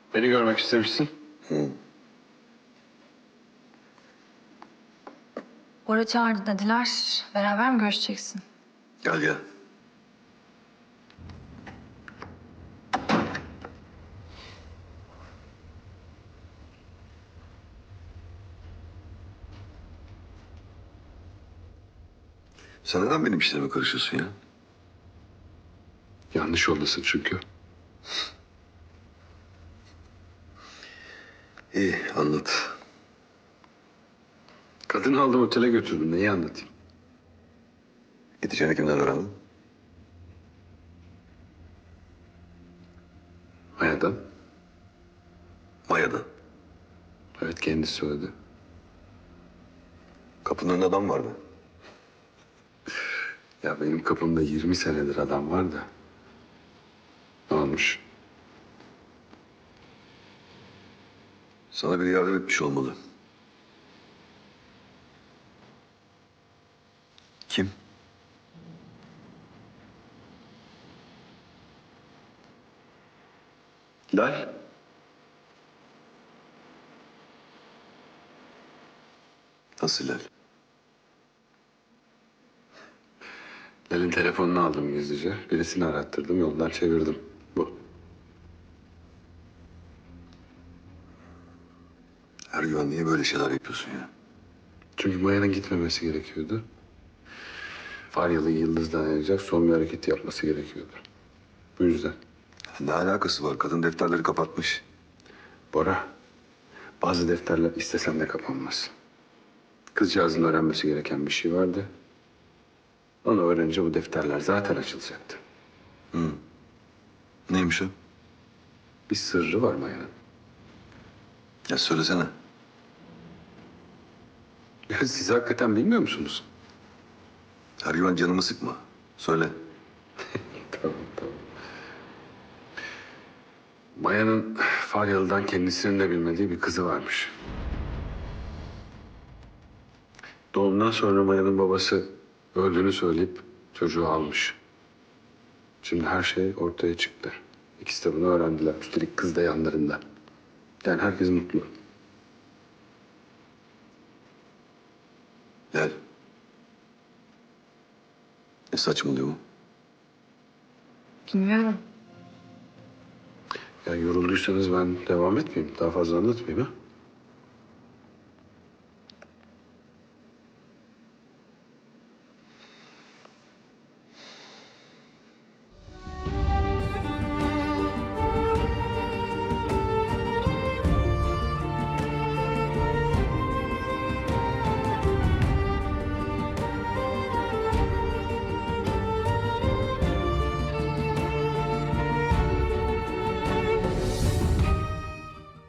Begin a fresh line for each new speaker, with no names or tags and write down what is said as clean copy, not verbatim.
Beni görmek istemişsin.
Bora çağırdı dediler. Beraber mi görüşeceksin?
Gel gel. Sen neden benim işlerime karışıyorsun ya?
Yanlış yoldasın çünkü.
İyi, anlat.
Kadını aldım otele götürdüm. Neyi anlatayım?
Gideceğini kimden öğrendin?
Maya'dan.
Maya'dan.
Evet, kendisi söyledi.
Kapının önünde adam vardı.
Ya benim kapımda 20 senedir adam var da. Ne olmuş?
Sana biri yardım etmiş olmalı. Kim?
Lal.
Nasıl Hilal?
Lal'in telefonunu aldım gizlice. Birisini arattırdım, yoldan çevirdim. Bu.
Ergüven niye böyle şeyler yapıyorsun ya?
Çünkü Maya'nın gitmemesi gerekiyordu. Faryalı Yıldız'dan ayıracak son bir hareket yapması gerekiyordu. Bu yüzden.
Ne alakası var? Kadın defterleri kapatmış.
Bora, bazı defterler istesem de kapanmaz. Kızcağızın öğrenmesi gereken bir şey vardı. Onu öğrenince bu defterler zaten açılacaktı.
Neymiş o?
Bir sırrı var Maya'nın.
Ya söylesene.
Ya siz hakikaten bilmiyor musunuz?
Ergüven canımı sıkma. Söyle.
Tamam, tamam. Maya'nın Faryalı'dan kendisinin de bilmediği bir kızı varmış. Doğumdan sonra Maya'nın babası öldüğünü söyleyip çocuğu almış. Şimdi her şey ortaya çıktı. İkisi de bunu öğrendiler. Üstelik kız da yanlarında. Yani herkes mutlu.
Hilal. Ne saçmalıyor bu?
Bilmiyorum.
Ya yorulduysanız ben devam etmeyeyim. Daha fazla anlatmayayım ha.